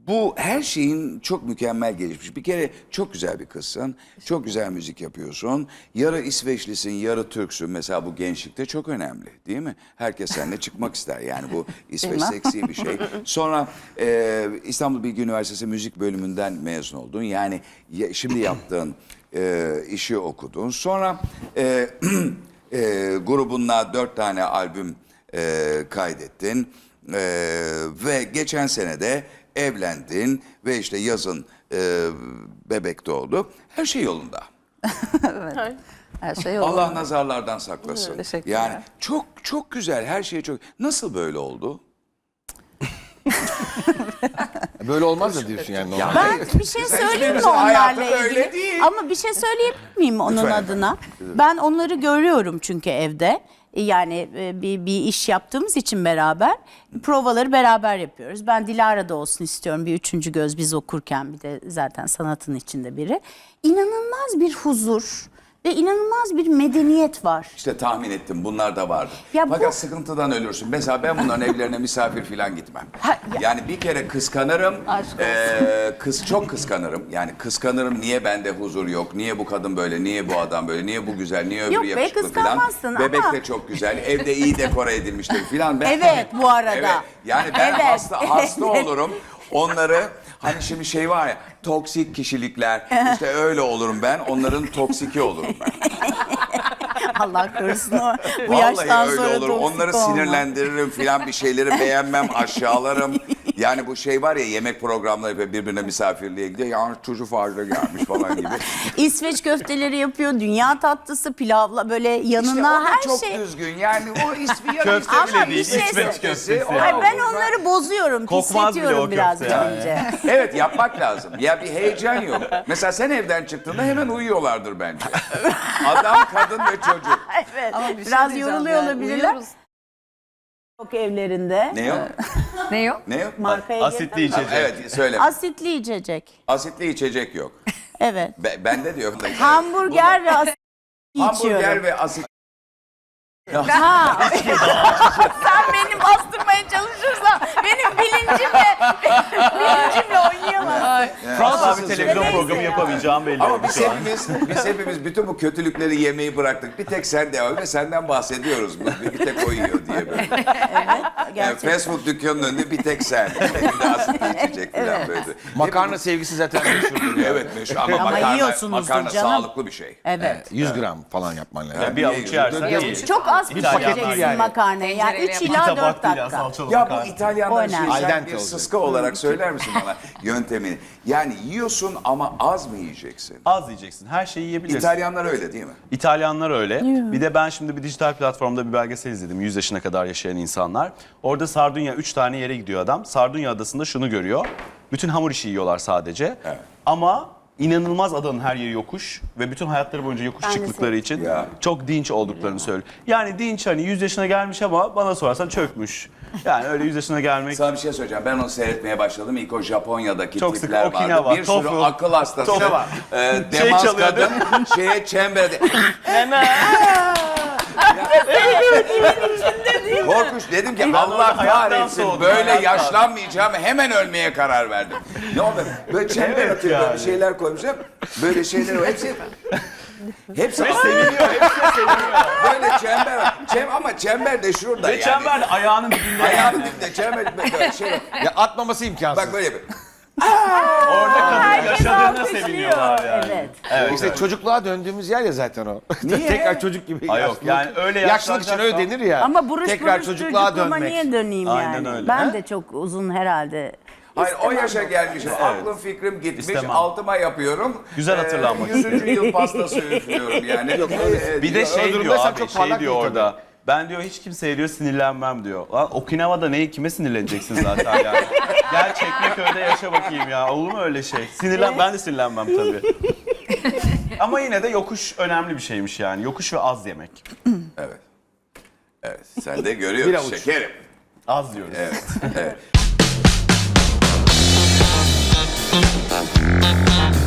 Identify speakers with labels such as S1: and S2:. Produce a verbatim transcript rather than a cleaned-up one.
S1: Bu her şeyin çok mükemmel gelişmiş. Bir kere çok güzel bir kızsın. Çok güzel müzik yapıyorsun. Yarı İsveçlisin, yarı Türksün. Mesela bu gençlikte çok önemli değil mi? Herkes seninle çıkmak ister. Yani bu İsveç seksi bir şey. Sonra e, İstanbul Bilgi Üniversitesi Müzik Bölümünden mezun oldun. Yani ya, şimdi yaptığın e, işi okudun. Sonra e, e, grubunla dört tane albüm e, kaydettin. E, ve geçen sene de evlendin ve işte yazın e, bebek doğdu. Her şey yolunda.
S2: Evet. Her şey yolunda.
S1: Allah nazarlardan saklasın.
S2: Teşekkürler.
S1: Yani çok çok güzel, her şey çok. Nasıl böyle oldu?
S3: Böyle olmaz da diyorsun yani. normal.
S4: Ben bir şey
S1: Sen
S4: söyleyeyim mi
S1: hiçbirimizin hayatı
S4: onlarla
S1: böyle
S4: ilgili?
S1: değil.
S4: Ama bir şey söyleyebilir miyim onun
S1: Lütfen
S4: adına? Ben onları görüyorum çünkü evde. Yani e, bir, bir iş yaptığımız için beraber provaları beraber yapıyoruz. Ben Dilara'da olsun istiyorum, bir üçüncü göz biz okurken, bir de zaten sanatın içinde biri. İnanılmaz bir huzur ve inanılmaz bir medeniyet var.
S1: İşte tahmin ettim, bunlar da vardı.
S4: Ya bu-
S1: Fakat sıkıntıdan ölürsün. Mesela ben bunların evlerine misafir falan gitmem.
S4: Ha, ya-
S1: Yani bir kere kıskanırım.
S4: Aşk olsun.
S1: eee, kız çok kıskanırım. Yani kıskanırım, niye bende huzur yok? Niye bu kadın böyle? Niye bu adam böyle? Niye bu güzel? Niye öbürü
S4: Yok be,
S1: yakışıklı falan?
S4: kıskanmazsın
S1: Bebek
S4: ama-
S1: de çok güzel. Evde iyi dekore edilmiştir falan. Ben,
S4: Evet, bu arada.
S1: Evet. Yani ben
S4: Evet.
S1: hasta hasta olurum. Onları hani şimdi şey var ya, toksik kişilikler, işte öyle olurum ben, onların toksiki olurum ben.
S4: Allah korusun o. Bu
S1: Vallahi
S4: yaştan
S1: öyle
S4: sonra
S1: olur.
S4: toksik
S1: Onları
S4: olma.
S1: sinirlendiririm filan, bir şeyleri beğenmem, aşağılarım. Yani bu şey var ya, yemek programları yapıyor, birbirine misafirliğe gidiyor. Ya çocuk fazla gelmiş falan gibi.
S4: İsveç köfteleri yapıyor, dünya tatlısı, pilavla böyle
S1: İşte o
S4: yanına
S1: da
S4: her
S1: çok
S4: şey.
S1: düzgün. Yani o ismi ya
S5: Köfte
S4: Ama
S5: bile
S4: bir
S5: değil,
S4: şey
S5: İsveç
S4: söyle-
S5: köftesi.
S4: Ay,
S1: O-
S4: ben
S1: o-
S4: onları bozuyorum,
S5: Kokmaz bile
S4: pisletiyorum
S5: o
S4: biraz
S5: köfte yani.
S4: önce.
S1: Evet, yapmak lazım. Ya bir heyecan yok. Mesela sen evden çıktığında hemen uyuyorlardır bence. Adam, kadın ve çocuk.
S4: Evet.
S2: Ama bir şey
S4: Biraz
S2: diyeceğim
S4: yoruluyor
S2: yani,
S4: olabilirler.
S2: uyuyoruz.
S4: Yok evlerinde.
S1: Ne o?
S2: Ne yok?
S1: Ne o?
S4: Markaya
S5: Asitli
S4: girdim.
S5: içecek.
S1: Evet, söyle.
S4: Asitli içecek.
S1: Asitli içecek yok.
S4: Evet.
S1: Be, bende de yok.
S4: Hamburger ve asitli
S1: Hamburger
S4: içiyorum.
S1: ve asit.
S4: Ha. Sen beni bastırmaya çalışırsan benim bilincimle bilincimle oynayamazsın.
S5: Fransız bir televizyon
S4: Neyse
S5: programı
S4: ya.
S5: yapamayacağım belli
S1: Ama
S5: oldu
S1: biz
S5: şu an.
S1: hepimiz, biz hepimiz bütün bu kötülükleri yemeyi bıraktık. Bir tek sen devam ve senden bahsediyoruz. Bir, bir tek o yiyor diye böyle.
S4: Evet.
S1: Yani
S4: Gerçekten.
S1: fast food dükkanının önünde bir tek sen. Bir de asitli içecek falan böyle.
S3: Makarna sevgisi zaten meşhurdur. ya.
S1: Evet meşhur ama,
S4: Ama
S1: makarna,
S4: yiyorsunuzdur
S1: makarna
S4: canım.
S1: sağlıklı bir şey.
S4: Evet.
S3: yüz gram falan yapman lazım.
S5: Ya bir avuç yersen
S1: Ya-
S5: iyi.
S4: Çok az
S5: Bir paket
S4: pişireceksin
S3: değil yani.
S4: makarnayı. Yani
S2: Tencereyle
S4: üç
S2: yapan.
S4: ila
S5: Tabak
S4: dört
S5: değil ya,
S4: dakika.
S5: salçalı
S1: Ya bu
S5: makarna.
S4: O
S1: İtalyanların
S4: önemli.
S1: şeyi,
S3: Al
S1: sen
S3: dente
S1: bir
S3: olacak.
S1: sıska olarak söyler misin bana yöntemini? Yani yiyorsun ama az mı yiyeceksin?
S5: Az yiyeceksin. Her şeyi yiyebilirsin.
S1: İtalyanlar öyle değil mi?
S5: İtalyanlar öyle. Bir de ben şimdi bir dijital platformda bir belgesel izledim. yüz yaşına kadar yaşayan insanlar. Orada Sardunya, üç tane yere gidiyor adam. Sardunya adasında şunu görüyor. Bütün hamur işi yiyorlar sadece.
S1: Evet.
S5: Ama inanılmaz adanın her yeri yokuş ve bütün hayatları boyunca yokuş
S4: Ben de
S5: çıktıkları için
S1: Ya.
S5: çok dinç olduklarını söylüyor. Yani dinç, hani yüz yaşına gelmiş ama bana sorarsan çökmüş. Yani öyle yüz yaşına gelmek.
S1: Sana bir şey söyleyeceğim. Ben onu seyretmeye başladım. İlk o Japonya'daki
S5: Çok sık
S1: tipler
S5: Okinawa,
S1: vardı. Bir sürü
S5: tofu.
S1: akıl hastası.
S5: Tofu.
S1: E,
S5: Şey
S1: demans
S5: çalıyordu.
S1: kadın şeye çemberde. Korkunç, dedim ki Allah
S5: hayattan
S1: kahretsin,
S5: soğudum,
S1: böyle
S5: hayattan.
S1: yaşlanmayacağım, hemen ölmeye karar verdim. Ne oldu? Böyle çember
S5: Evet
S1: atıyor, böyle
S5: yani.
S1: bir şeyler koymuşlar. Böyle şeyler var. Hepsi hepsi
S5: Seviniyor, hepsi de seviniyor.
S1: böyle çember. Çem, ama çember de şurada
S5: Ve
S1: yani.
S5: çember de ayağının dibinde.
S1: Ayağının dibinde çember böyle şey.
S3: Ya atmaması imkansız.
S1: Bak böyle yapıyor.
S5: Orada kadın
S4: Herkes
S5: yaşadığına
S4: alkışlıyor.
S5: seviniyorlar yani.
S4: Evet.
S5: Evet,
S3: İşte
S5: evet.
S3: çocukluğa döndüğümüz yer ya zaten o.
S1: Niye?
S3: Tekrar çocuk gibi.
S5: Ay yok,
S3: yaşlılık-
S5: yani öyle
S3: Yaşlılık için öyle
S5: yaşlanacaksan-
S3: denir ya.
S4: Ama buruş
S3: Tekrar
S4: buruş
S3: çocukluğa
S4: çocukluğuma
S3: dönmek.
S4: niye döneyim
S5: Aynen
S4: yani?
S5: öyle.
S4: Ben
S5: Ha?
S4: de çok uzun herhalde.
S1: Hayır, o
S4: İstemem.
S1: yaşa gelmişim. Aklım fikrim gitmiş.
S5: İstemem.
S1: Altıma yapıyorum.
S5: Güzel hatırlanmak
S1: Ee, yüzüncü yıl pastası üflüyorum yani. Ee,
S5: Bir de
S1: diyor,
S5: şey diyor
S3: durumdaysan
S5: abi,
S3: çok
S5: şey
S3: parlak
S5: diyor
S3: değil
S5: orada. Ben diyor hiç kimseye diyor sinirlenmem diyor. Lan Okinawa'da neyi, kime sinirleneceksin zaten yani. Gel Çekmeköy'de yaşa bakayım ya. Olur mu öyle şey? Sinirlen, ben de sinirlenmem tabii. Ama yine de yokuş önemli bir şeymiş yani. Yokuş ve az yemek.
S1: Evet. Evet. Sen de
S3: Bir
S1: görüyorsun
S3: avuç.
S1: şekerim.
S5: Az diyoruz.
S1: Evet. Evet.